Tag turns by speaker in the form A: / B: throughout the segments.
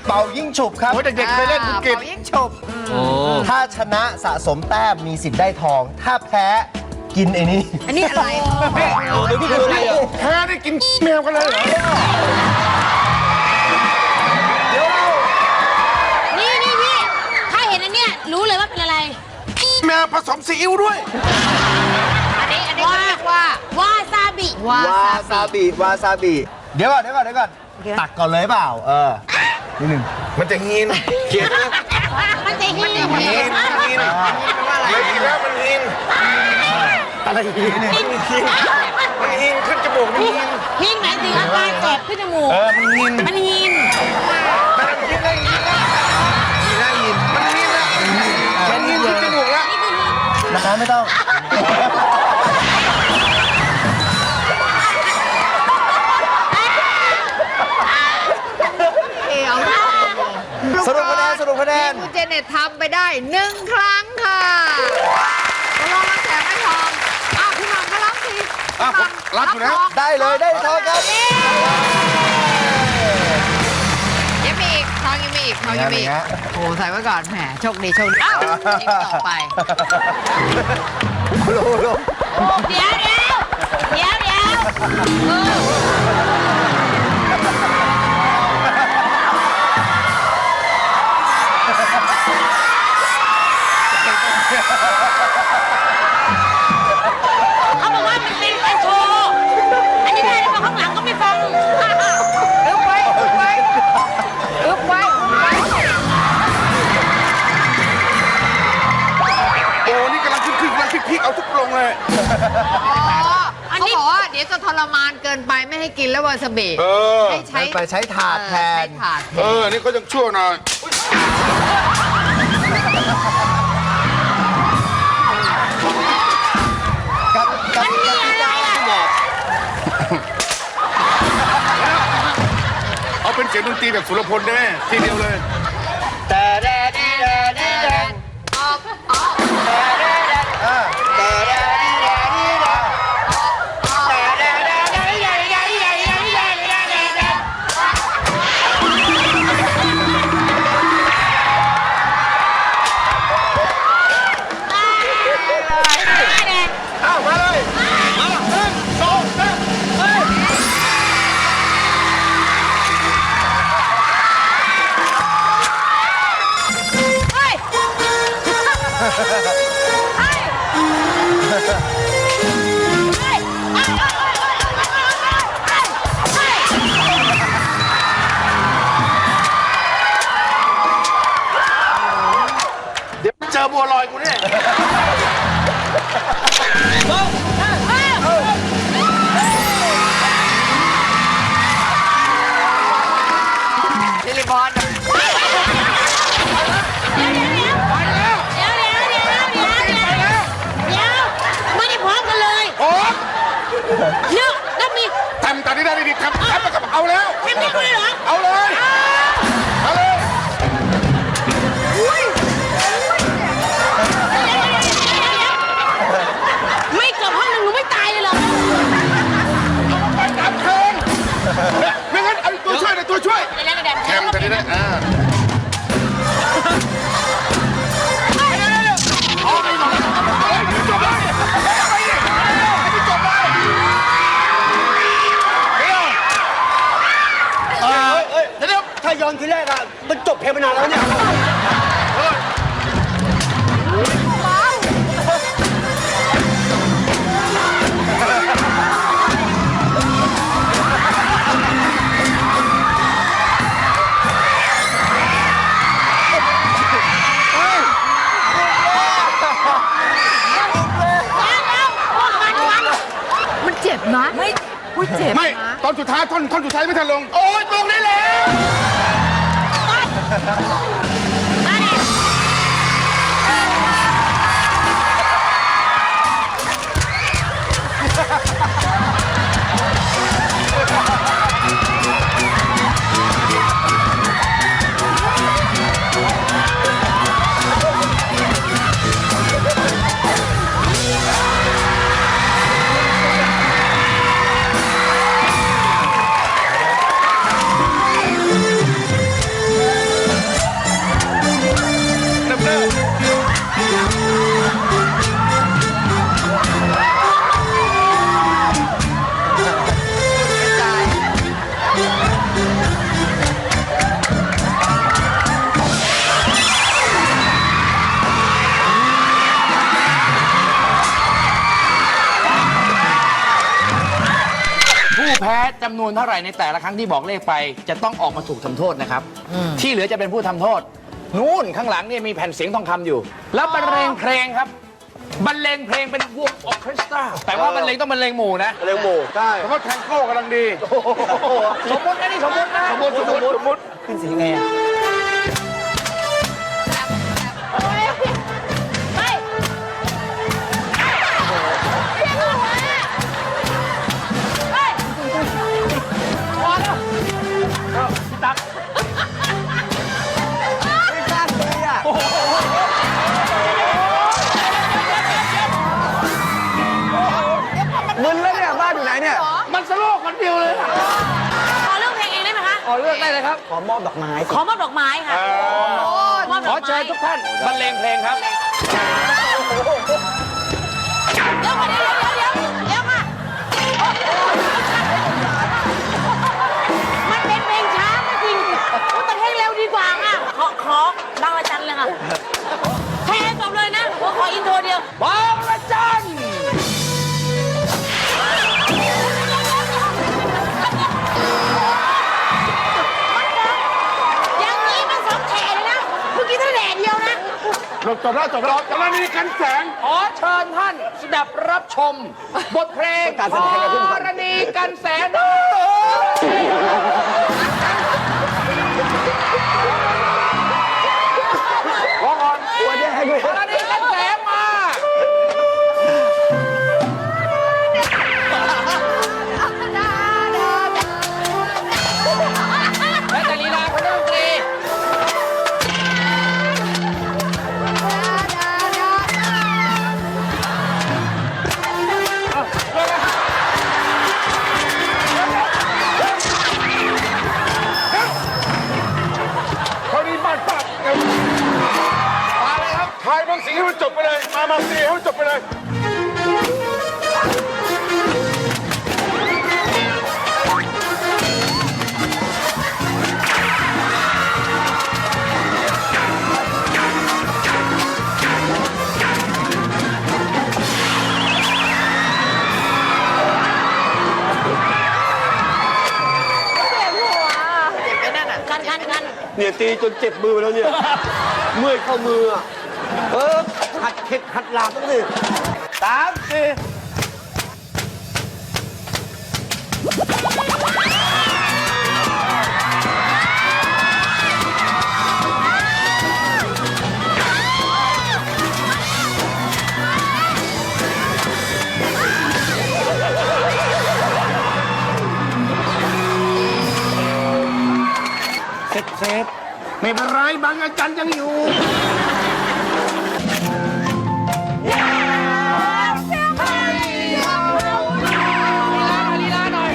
A: เป่ายิ่งฉุบครับ
B: โอ้ยเด็กๆเคยเล่นคุณกิต
C: เป่ายิ่งฉุบ
A: ถ้าชนะสะสมแต้มมีสิทธิ์ได้ทอง ถ้าแพ้กินไอ้นี่
C: อันนี้อะไร
A: เดี๋ยวพี่ดูอะไรอ่ะ
B: แพ้ได้กินแมวกันเลยเหรอ
A: เดี๋ยวเรา
D: นี่พี่ ถ้าเห็นอันเนี้ยรู้เลยว่าเป็นอะไร
B: แมวผสมซีอิ๊วด้วย
C: อันนี้เขาเรียกว่าว
D: าซาบิ
C: วาว
A: าซาบิวาซาบิเดี๋ยวก่อนตักก่อนเลยเปล่านิดหนึ่ง
B: มันจะหินเขียนนะ
D: มันจะหิน
B: หินเลยกินแล้วมันหิน
A: อะไรอีกนิดหนึ่ง
B: มันหินขึ้นจมูกมันหิน
D: หินหมายถึงอาการแสบขึ้นจมูก
B: มันหิน
D: มันหิน
B: มันหินได้หินแล้วมันหินแล้วมันหินขึ้นจมูกแล้ว
A: นะคะไม่ต้อง สรุปคะแนน
C: คุณเจเน็ตทำไปได้1 ครั้งค่ะก็ลองมาแจกไม่ทองพี่หม่ำก็รับสิ
B: รับอยู่นะ
A: ได้เลยได้ทองครับ
C: ยังมีอีกทองยังมีอีกทองยังมีอีกโอ้ใส่ไว้ก่อนแหมโชคดีอ้าวอีกต่อไป
A: โล
D: เดี๋ยวเขาบอกว่ามันเป็นการโชว์ อันนี้ได้แล้วพอข้างหลังก็ไม่ฟัง
C: อึ๊บไว้
B: โอ้นี่กำลังขึ้นกำลังพลิกเอาทุกลงเลย
C: เขาบอกว่าเดี๋ยวจะทรมานเกินไปไม่ให้กินแล้ววาซาบิ ให้ใช้
A: ไปใช้ถาดแทน
C: ใช้ถาดแทน
B: นี่ก็ยังชั่วหน่อย
A: กับพี่ก้าวพี่หมอก
B: เอาเป็นเสียงดนตรีแบบสุรพลได้ไหมทีเดียวเลย
A: แต่แดดดีแดดดีแดดแต่แดดดีแดดแต่แดดดีแดดดีแดดแต่แดดดีแดดดีแดดดีแดดดีแดดดีแดดดีแดด
B: อ้าวมาเลยมา1 2 3เฮ้ย เดี๋ยวเจอบัวลอยกูเนี่ย
C: ซิลิบอน
D: เดี๋ยวไม่ได้พร้อมกันเลย
B: โอ้
D: เนี่ยแล้วมี
B: ทำตอนนี้ได้ดีทำมากับเอาแล้ว
D: ทำได้ด้วยเหรอ
B: เอาเลยเอาเลย
D: ไม่เกือบห้องหนึ่งหนูไม่ตายเลยเหรอ
B: ไปตามเทิงไม่งั้นเอาตัวช่วยเลยตัวช่วย
D: เดี๋ยว
B: แคมตอนนี้ได้เอาไปหน่อยจบเลยไปดิจบเลยเดี๋ยว
A: ถ้าย้อนทีแรกอะมันจบเพลงไปนานแล้วเนี่ย
C: มันเจ็บนะไม่เจ็บ
B: ไม่ตอนสุดท้ายท่อนสุดท้ายไม่ทันลงโอ้ยลงได้แล้ว
A: เ
B: จำนวนเท่าไหร่ในแต่ละครั้งที่บอกเลขไป จะต้องออกมาถูกทำโทษนะครับ ที่เหลือจะเป็นผู้ทำโทษ นู่นข้างหลังเนี่ยมีแผ่นเสียงทองคำอยู่ แล้วบรรเลงเพลงครับ บรรเลงเพลงเป็นวงออร์เคสตราแต่ว่าบรรเลงต้องบรรเลงหมู่นะ
A: เร็วหมู่ใช่
B: เพราะแทงโก้กำลังดี สมมตินะนี่สมมตินะ
A: สมมติ
B: ขึ้นเสียงไงอ่ะ
D: ไปเรียกหัวไป
B: พอแล้วพี่ตั๊ก
A: ไม่กล้าเลยอ่ะ มึนแล้วเนี่ยบ้านอยู่ไหนเนี่ย
B: มันสโลกคนเดียวเลยอะ
D: ขอเลือกเพลงเองได้ไหมคะ
B: ขอเลือกได้เลยครับ
A: ขอมอบดอกไม้
D: ขอมอบดอกไม้ค่ะมอบด
B: ข
D: อ
B: อก
D: ไม้
B: เชิญทุกท่านบรรเลงเพลงครับ
D: เดี๋ยวค่ะเดี๋ยวค่ะมันเป็นเพลงช้าก็จริงแต่เพลงเร็วดีกว่าค่ะขอบางระจันเลยค่ะแทนจบเลยนะขออินโทรเดียว
B: บางระจัน
D: อย่างนี้มันสองแฉเลยนะ เมื่อกี้ถ้าแหล่เดียวนะ
B: จบแล้วนี่กันแสงขอเชิญท่านสดับรับชม บทเพลง
A: การแสดงกันขึ้นก่อน
B: กรณีกันแสงร้องก่อน
A: ควรจะให้ด้วย
B: กรณีกันแสงมาและแต่ลีลาคนดนตรี
E: เขาดีบ้านป้า
B: มาเลยครับ
E: ทายบางสิ่งให้มันจบไปเลย มาสิให้มันจบไปเลย
D: กัน
A: เนี่ยตีจนเจ็บมือไปแล้วเนี่ย เมื่อยเข้ามืออ่ะหัดเข็ดหัดหลาบต้องสิ3 4
B: เซฟไม่เป็นไรบางอาจารย์ยังอยู่ลีลาหน่อย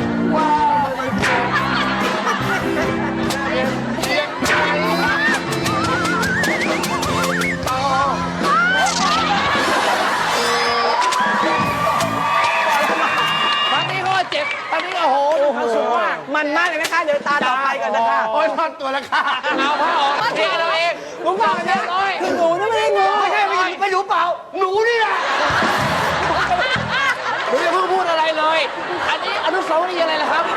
B: ตอนนี้ก็เจ็บตอนนี้โอ้โหดูความสุขมาก
A: มันมากเลยนะคะ เดี๋ยวตาต่อไปก่อนนะคะ
B: โอ้ยทอดตัวแล้วค่ะเอาผ้าออกเทเราเอง
A: ลุงบอกนะ
B: น้อย
A: คือหนูนะไม่ได้งูไม่ใช่ไม่รู้เปล่า หนูนี่แหละ
B: หนูอย่าเพิ่งพูดอะไรเลย อันนี้อนุสาวรีย์อะไรล่ะครับ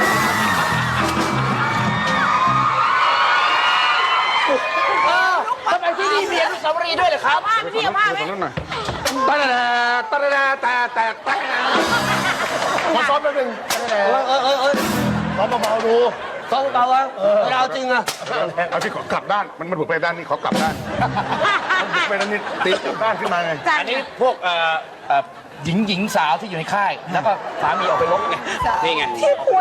B: ทำไมที่นี่มีอนุสาวรีย์ด้วยเหรอครับ
D: ผ้าไหมพี่เอาผ้าไหม
B: ตะแต่
E: ขอซ้อมแป๊บนึง
A: ซ้อมเบาๆดูซ้อมเบาๆอะเวลาจริงอะ
E: เอาที่ขอกลับด้าน มันบุกไปด้านนี้ขอกลับด้านมันบุกไปด้านนี้ตีกลับด้านขึ้นมาไง
B: อันนี้พวกหญิงสาวที่อยู่ในค่าย แล้วก็สามีออกไปรบไง นี่ไง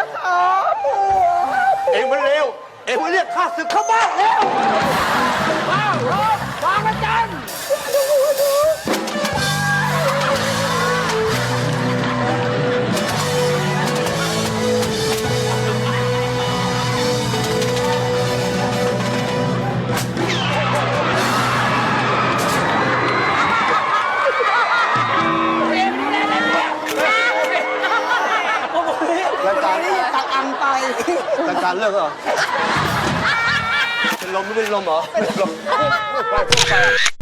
A: เอ็งมันเร็ว เอ็งมันเรียกข้าศึกเข้าบ้านแล้ว
B: ว้าวรบวางประจัน
A: รายการนี้ตักอังไปรายการเลิกเหรอ เป็นลมไม่เป็นลมเหรอ เป็นลม